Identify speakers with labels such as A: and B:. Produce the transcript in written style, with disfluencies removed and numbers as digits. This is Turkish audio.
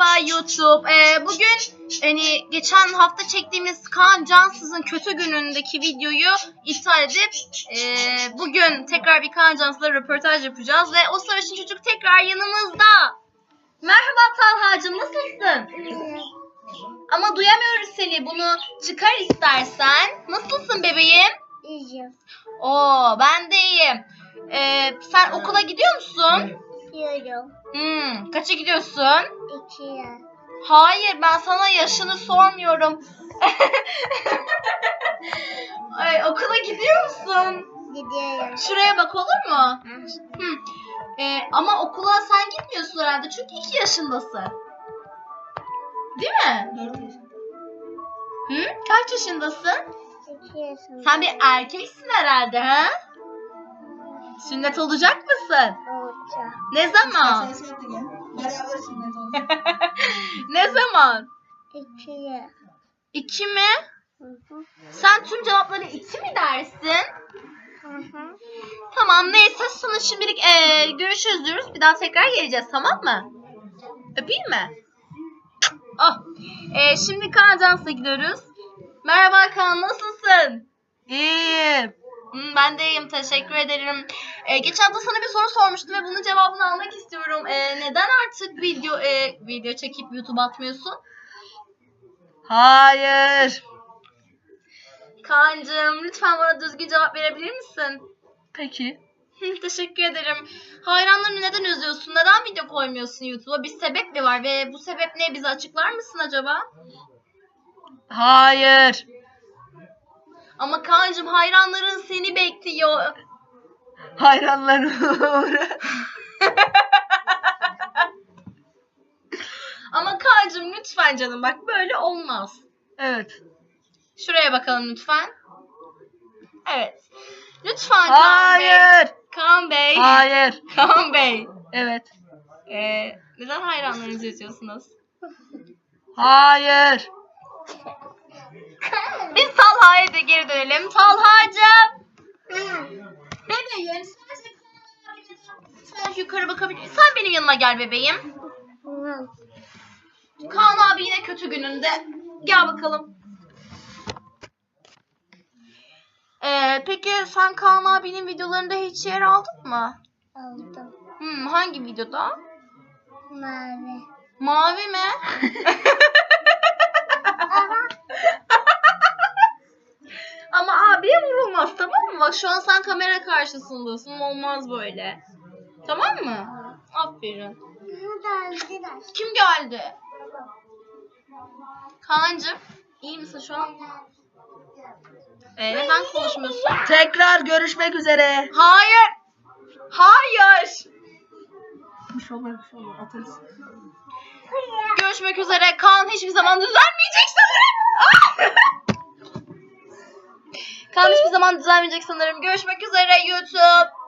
A: Merhaba YouTube. Bugün geçen hafta çektiğimiz Kaan Cansız'ın kötü günündeki videoyu iptal edip bugün tekrar bir Kaan Cansız'la röportaj yapacağız ve o sarışın çocuk tekrar yanımızda. Merhaba Talha'cığım, nasılsın? Ama duyamıyoruz seni. Bunu çıkar istersen. Nasılsın bebeğim?
B: İyiyim.
A: Oo, ben de iyiyim. Sen okula gidiyor musun?
B: Gidiyorum.
A: Kaça gidiyorsun?
B: 2'ye.
A: Hayır, ben sana yaşını sormuyorum. Ay, okula gidiyor musun?
B: Gidiyorum.
A: Şuraya bak, olur mu? Ama okula sen gitmiyorsun herhalde çünkü 2 yaşındasın. Değil mi?
B: 4 yaşındayım.
A: Kaç yaşındasın?
B: 2 yaşındayım.
A: Sen bir erkeksin herhalde, ha? Sünnet olacak mısın?
B: Olacak.
A: Ne zaman? Ne zaman?
B: 2'ye.
A: 2 mi?
B: Hı.
A: Sen tüm cevapları 2 mi dersin?
B: Hı.
A: Tamam, neyse, sana şimdilik görüşürüz diyoruz. Bir daha tekrar geleceğiz, tamam mı? Öpeyim mi? Oh. Şimdi Kaan Cans'a gidiyoruz. Merhaba Kaan, nasılsın?
C: İyiyim.
A: Ben de iyiyim, teşekkür ederim. Geçen hafta sana bir soru sormuştum ve bunun cevabını almak istiyorum. Neden artık video çekip YouTube atmıyorsun?
C: Hayır.
A: Kaan'cığım, lütfen bana düzgün cevap verebilir misin?
C: Peki.
A: Teşekkür ederim. Hayranlarını neden üzüyorsun? Neden video koymuyorsun YouTube'a? Bir sebep mi var ve bu sebep ne? Bize açıklar mısın acaba?
C: Hayır.
A: Ama Kaan'cığım, hayranların seni bekliyor.
C: Hayranlarım.
A: Ama Kaan'cığım, lütfen canım, bak böyle olmaz.
C: Evet.
A: Şuraya bakalım lütfen. Evet. Lütfen Kaan Bey.
C: Hayır.
A: Kaan Bey.
C: Hayır.
A: Kaan Bey.
C: Evet.
A: Neden hayranlarınızı üzüyorsunuz?
C: Hayır.
A: Biz Talha'ya da geri dönelim. Talha'cığım. Bebeğim, sen yukarı bakabilir misin? Sen benim yanıma gel bebeğim.
B: Hı.
A: Kaan abi yine kötü gününde. Gel bakalım. Peki sen Kaan abinin videolarında hiç yer aldın mı?
B: Aldım.
A: Hangi videoda?
B: Mavi.
A: Mavi mi? Ama abiye vurulmaz, tamam mı? Bak, şu an sen kamera karşısındasın. Olmaz böyle. Tamam mı? Aferin. Kim geldi? Kaan'cığım, iyi misin şu an? Neden konuşmuyorsun?
C: Tekrar görüşmek üzere.
A: Hayır. Hayır.
C: Bir şey olmaz, bir şey olmaz. Atarız.
A: Görüşmek üzere. Kaan hiçbir zaman düzelmeyecek sanırım. Kaan hiçbir zaman düzelmeyecek sanırım. Görüşmek üzere YouTube.